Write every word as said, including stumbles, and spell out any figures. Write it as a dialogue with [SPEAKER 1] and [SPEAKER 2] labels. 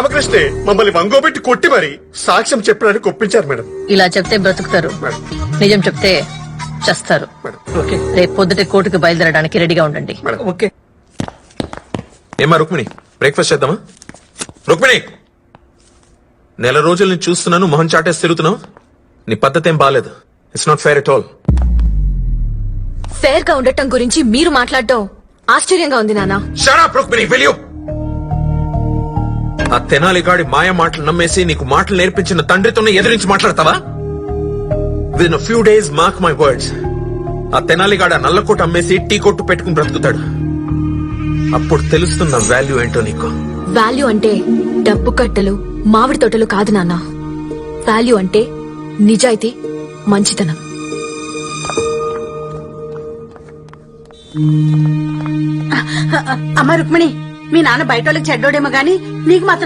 [SPEAKER 1] రామకృష్ణే మమ్మల్ని వంగోబెట్టి కొట్టి మరి సాక్ష్యం చెప్పడానికి ఒప్పించారు మేడం.
[SPEAKER 2] ఇలా చెప్తే బ్రతుకుతారు,
[SPEAKER 1] మేడం
[SPEAKER 2] నిజం చెప్తే చస్తారు.
[SPEAKER 1] మేడం
[SPEAKER 3] ఓకే
[SPEAKER 2] రేపు పొద్దుటే కోర్టుకు బయలుదేరడానికి రెడీగా ఉండండి.
[SPEAKER 1] Madam
[SPEAKER 3] okay.
[SPEAKER 4] ఏమా రుక్మిణి, బ్రేక్ఫాస్ట్ చేద్దామా? రుక్మిణి, నెల రోజుల నుంచి చూస్తున్నాను, మొహం చాటేసి తిరుగుతున్నావు. నీ పద్ధతి ఏం బాలేదు. It's not fair at all.
[SPEAKER 5] Fair గా ఉండటం గురించి మీరు మాట్లాడటం ఆశ్చర్యంగా ఉంది నాన్న.
[SPEAKER 4] Shut up Rukmini, will you? ఆ తెనాలిగాడి మాయ మాటలు నమ్మేసి నీకు మాటలు నేర్పించిన తండ్రితోనే ఎదిరించి మాట్లాడతావా? Within few days mark my words, ఆ తెనాలిగాడ నల్లకోట అమ్మేసి టీ కొట్టు పెట్టుకుని బ్రతుకుతాడు. అప్పుడు తెలుస్తున్న వాల్యూ ఏంటో నీకు.
[SPEAKER 5] వాల్యూ అంటే డబ్బు కట్టలు మామిడి తోటలు కాదు నాన్న. వాల్యూ అంటే నిజాయితీ, మంచితనం.
[SPEAKER 6] అమ్మ రుక్మిణి, మీ నాన్న బయట వాళ్ళకి చెడ్డోడేమో గాని నీకు మాత్రం